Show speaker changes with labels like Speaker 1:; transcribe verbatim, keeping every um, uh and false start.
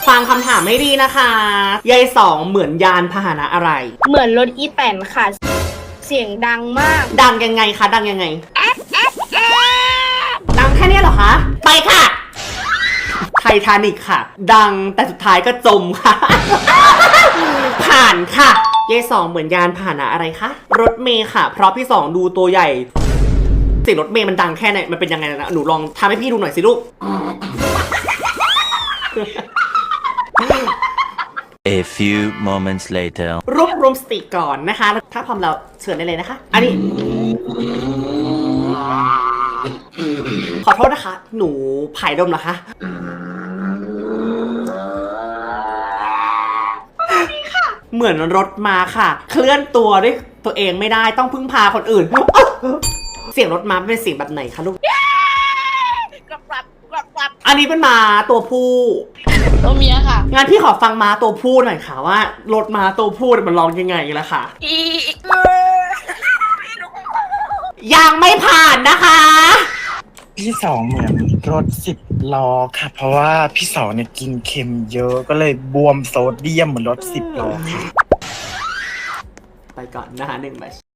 Speaker 1: ฟังคำถามให้ดีนะคะยายสองเหมือนยานพาหนะอะไร
Speaker 2: เหมือนรถอีแตนค่ะ เสียงดังมาก
Speaker 1: ดังยังไงคะดังยังไงดังแค่เนี้ยเหรอคะไปค่ะไททานิกค่ะ ดังแต่สุดท้ายก็จมค่ะ ผ่านค่ะยายสองเหมือนยานพาหนะอะไรคะรถเมย์ค่ะ เพราะพี่สองดูตัวใหญ่เสียงรถเมย์มันดังแค่ไหนมันเป็นยังไงนะหนูลองทำให้พี่ดูหน่อยสิลูก
Speaker 3: A few moments later
Speaker 1: รวบรวมสติก่อนนะคะ ถ้าพร้อมแล้วเชิญได้เลยนะคะ อันนี้ ขอโทษนะคะ หนูผายดมเหรอคะเหมือนรถมาค่ะ เคลื่อนตัวด้วยตัวเองไม่ได้ต้องพึ่งพาคนอื่น เสียงรถม้าเป็นเสียงแบบไหนคะลูก
Speaker 2: กรับกรับกรับกรับ
Speaker 1: อันนี้เป็นม้าตัวผู้
Speaker 2: ตัวเมียค่ะ
Speaker 1: งั้นพี่ขอฟังม้าตัวผู้หน่อยค่ะว่ารถม้าตัวผู้มันร้องยังไงล่ะค่ะ
Speaker 2: อี
Speaker 1: ยังไม่ผ่านนะคะ
Speaker 4: พี่สองเหมือนรถสิบล้อค่ะ เพราะว่าพี่สองเนี่ยกินเค็มเยอะก็เลยบวมโซเดียมเหมือนรถสิบล้อค่ะ
Speaker 1: ไปก่อนนะคะหนึ่งใบ